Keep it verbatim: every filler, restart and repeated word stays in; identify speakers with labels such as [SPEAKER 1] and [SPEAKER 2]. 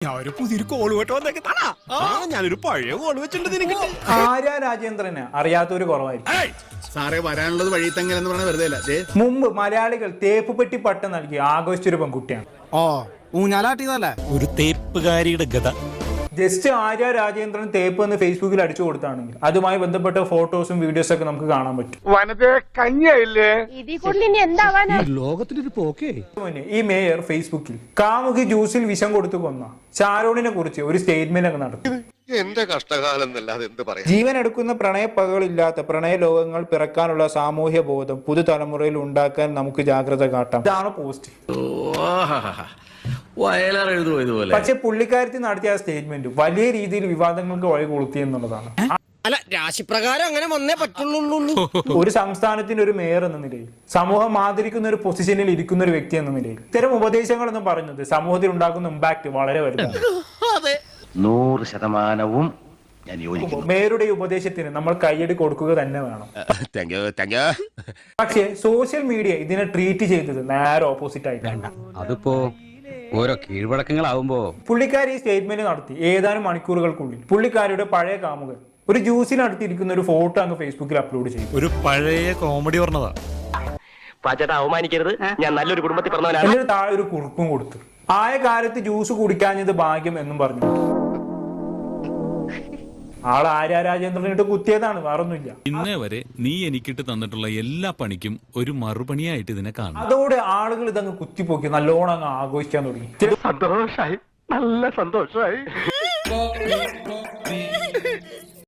[SPEAKER 1] ഞാൻ ഒരു പുതിയൊരു കോള് കേട്ടോ വന്നേക്കത്താ. ഞാനൊരു പഴയ കോള് വെച്ചിട്ടുണ്ട്.
[SPEAKER 2] ആര്യ രാജേന്ദ്രന് അറിയാത്തൊരു കുറവായിരിക്കും.
[SPEAKER 3] സാറേ വരാനുള്ളത് വഴി തങ്ങലെന്ന് പറഞ്ഞ വെറുതെ അല്ല.
[SPEAKER 2] മുമ്പ് മലയാളികൾ തേപ്പ് പെട്ടി പട്ടം നൽകി ആഘോഷിച്ചൊരു പെൺകുട്ടിയാണ്.
[SPEAKER 1] ഓ ഊഞ്ഞാലാട്ടിയതല്ലേ ഒരു തേപ്പുകാരിയുടെ ഗത.
[SPEAKER 2] ജസ്റ്റ് ആര്യ രാജേന്ദ്രൻ തേപ്പ് എന്ന് ഫേസ്ബുക്കിൽ അടിച്ചു കൊടുത്താണെങ്കിൽ അതുമായി ബന്ധപ്പെട്ട ഫോട്ടോസും വീഡിയോസും ഒക്കെ നമുക്ക് കാണാൻ പറ്റും.
[SPEAKER 1] ലോകത്തിനൊരു പോക്കേ.
[SPEAKER 2] ഈ മേയർ ഫേസ്ബുക്കിൽ കാമുകി ജ്യൂസിൽ വിഷം കൊടുത്തു കൊന്ന ഷാരോണിനെ കുറിച്ച് ഒരു സ്റ്റേറ്റ്മെന്റ് ഒക്കെ നടത്തി.
[SPEAKER 4] എന്റെ കഷ്ടകാലം എന്നല്ലാതെ എന്ത് പറയാം.
[SPEAKER 2] ജീവൻ എടുക്കുന്ന പ്രണയപ്പകകളില്ലാത്ത പ്രണയ ലോകങ്ങൾ പിറക്കാനുള്ള സാമൂഹ്യ ബോധം പുതുതലമുറയിൽ ഉണ്ടാക്കാൻ നമുക്ക് ജാഗ്രത കാട്ടാം. ഇതാണ് പോസ്റ്റ്. പക്ഷെ പുള്ളിക്കാരത്തിൽ നടത്തിയ സ്റ്റേറ്റ്മെന്റ് വലിയ രീതിയിൽ വിവാദങ്ങൾക്ക് വഴി കൊളുത്തി എന്നുള്ളതാണ്.
[SPEAKER 1] അല്ല രാശിപ്രകാരം അങ്ങനെ വന്നേ പറ്റുള്ളൂ.
[SPEAKER 2] ഒരു സംസ്ഥാനത്തിന്റെ ഒരു മേയർ എന്ന നിലയിൽ സമൂഹം ആദരിക്കുന്ന ഒരു പൊസിഷനിൽ ഇരിക്കുന്ന ഒരു വ്യക്തി എന്ന നിലയിൽ ഇത്തരം ഉപദേശങ്ങൾ എന്ന് പറയുന്നത് സമൂഹത്തിൽ ഉണ്ടാക്കുന്ന ഇമ്പാക്ട് വളരെ വലുതാണ്.
[SPEAKER 5] നൂറ് ശതമാനവും ഞാൻ യോജിക്കുന്നു.
[SPEAKER 2] മേയറുടെ ഉപദേശത്തിന് നമ്മൾ കയ്യടി കൊടുക്കുക തന്നെ വേണം. പക്ഷേ സോഷ്യൽ മീഡിയ ഇതിനെ ട്രീറ്റ് ചെയ്തത് നേരെ ഓപ്പോസിറ്റ് ആയിട്ടാണ്.
[SPEAKER 6] അതിപ്പോ ഓരോ കീഴ്വഴക്കങ്ങളാവുമ്പോ
[SPEAKER 2] പുള്ളിക്കാരി ഈ സ്റ്റേറ്റ്മെന്റ് നടത്തി ഏതാനും മണിക്കൂറുകൾക്കുള്ളിൽ പുള്ളിക്കാരിയുടെ പഴയ കാമുകൻ ഒരു ജ്യൂസിനടുത്തിരിക്കുന്ന ഒരു ഫോട്ടോ അങ്ങ് ഫേസ്ബുക്കിൽ അപ്ലോഡ് ചെയ്തു.
[SPEAKER 7] ഒരു പഴയ കോമഡി പറഞ്ഞതാ.
[SPEAKER 5] പാച്ചേട്ടാ അവമാനിക്കരുത്, ഞാൻ നല്ലൊരു കുടുംബത്തിൽ പറഞ്ഞവനാണ്.
[SPEAKER 2] എന്നിട്ട് താഴെ ഒരു കുറിപ്പും കൊടുത്തു. ആയ കാലത്ത് ജ്യൂസ് കുടിക്കാഞ്ഞത് ഭാഗ്യം എന്നും പറഞ്ഞു. ആൾ ആര്യ രാജേന്ദ്രനിട്ട് കുത്തിയതാണ്, വേറൊന്നുമില്ല.
[SPEAKER 7] ഇന്നേ വരെ നീ എനിക്കിട്ട് തന്നിട്ടുള്ള എല്ലാ പണിക്കും ഒരു മറുപണിയായിട്ട് ഇതിനെ കാണും.
[SPEAKER 2] അതോടെ ആളുകൾ ഇതങ്ങ് കുത്തിപ്പോക്കി നല്ലോണം അങ്ങ് ആഘോഷിക്കാൻ തുടങ്ങി.
[SPEAKER 5] സന്തോഷായി, നല്ല സന്തോഷായി.